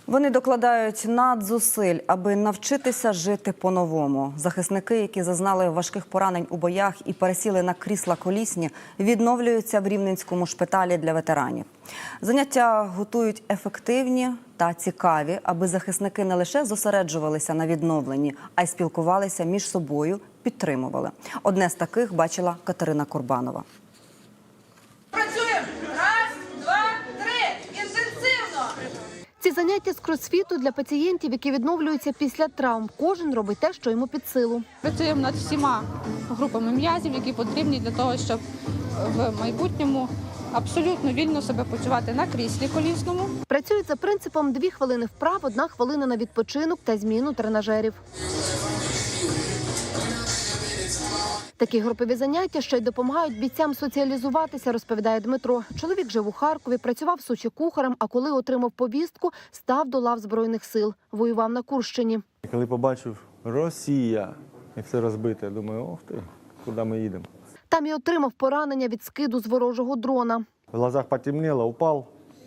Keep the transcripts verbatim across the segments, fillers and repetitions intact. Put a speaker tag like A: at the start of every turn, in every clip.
A: Вони докладають надзусиль, аби навчитися жити по-новому. Захисники, які зазнали важких поранень у боях і пересіли на крісла колісні, відновлюються в Рівненському шпиталі для ветеранів. Заняття готують ефективні та цікаві, аби захисники не лише зосереджувалися на відновленні, а й спілкувалися між собою, підтримували. Одне з таких бачила Катерина Курбанова.
B: Ці заняття з кросфіту для пацієнтів, які відновлюються після травм. Кожен робить те, що йому під силу.
C: Працюємо над всіма групами м'язів, які потрібні для того, щоб в майбутньому абсолютно вільно себе почувати на кріслі колісному.
B: Працюють за принципом дві хвилини вправ, одна хвилина на відпочинок та зміну тренажерів. Такі групові заняття ще й допомагають бійцям соціалізуватися, розповідає Дмитро. Чоловік жив у Харкові, працював в Сочі кухарем, а коли отримав повістку, став до лав Збройних сил. Воював на Курщині.
D: Коли побачив Росія і все розбите, думаю, ох ти, куди ми їдемо.
B: Там і отримав поранення від скиду з ворожого дрона.
D: В глазах потемнело, упав,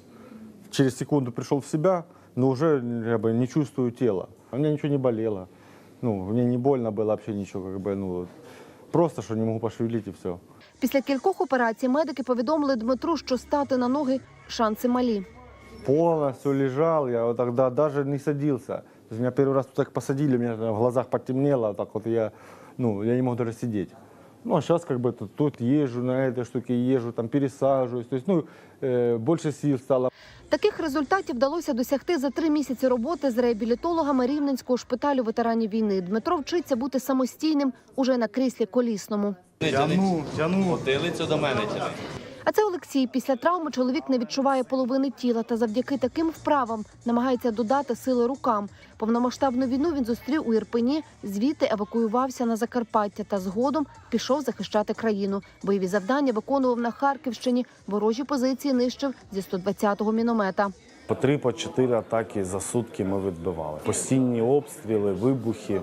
D: через секунду прийшов в себе, но вже я бы, не чувствую тіла. У мене нічого не болело, ну, мені не больно було взагалі нічого, как бы, ну, просто, що не можу пошевелити і все.
B: Після кількох операцій медики повідомили Дмитру, що стати на ноги шанси малі.
D: Повністю лежав, я вот тогда даже не садился. Меня первый раз так посадили, у меня в глазах потемнело, так вот я, ну, я не мог даже сидеть. Ну, а сейчас как бы тут, тут езжу, на этой штуке езжу, там пересаживаюсь, то есть, ну, э, больше сил стало.
B: Таких результатів вдалося досягти за три місяці роботи з реабілітологами Рівненського шпиталю ветеранів війни. Дмитро вчиться бути самостійним уже на кріслі колісному.
D: Тяну, тяну.
E: Потилицю до мене тяни.
B: А це Олексій. Після травми чоловік не відчуває половини тіла та завдяки таким вправам намагається додати сили рукам. Повномасштабну війну він зустрів у Ірпені, звідти евакуювався на Закарпаття та згодом пішов захищати країну. Бойові завдання виконував на Харківщині, ворожі позиції нищив зі сто двадцятого міномета.
F: По три, по чотири атаки за сутки ми відбивали. Постійні обстріли, вибухи.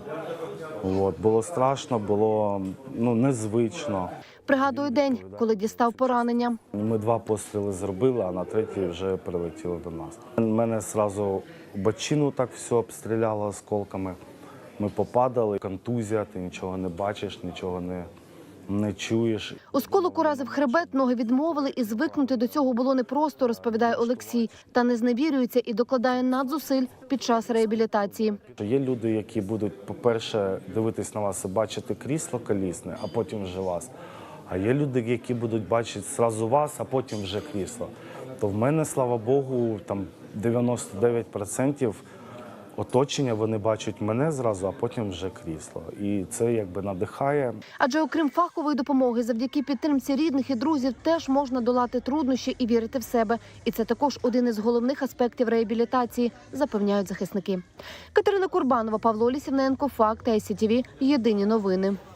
F: От. Було страшно, було ну, незвично.
B: Пригадую день, коли дістав поранення.
F: Ми два постріли зробили, а на третій вже прилетіли до нас. Мене одразу бочину так все обстріляло осколками. Ми попадали, контузія, ти нічого не бачиш, нічого не, не чуєш.
B: Осколок уразив хребет, ноги відмовили, і звикнути до цього було непросто, розповідає Олексій. Та не зневірюється і докладає надзусиль під час реабілітації.
F: Є люди, які будуть, по-перше, дивитись на вас і бачити крісло колісне, а потім вже вас. А є люди, які будуть бачити одразу вас, а потім вже крісло. То в мене, слава Богу, там дев'яносто дев'ять відсотків оточення, вони бачать мене зразу, а потім вже крісло. І це якби надихає.
B: Адже окрім фахової допомоги, завдяки підтримці рідних і друзів теж можна долати труднощі і вірити в себе. І це також один із головних аспектів реабілітації, запевняють захисники. Катерина Курбанова, Павло Лісівненко, Факти, ай сі ті ві, єдині новини.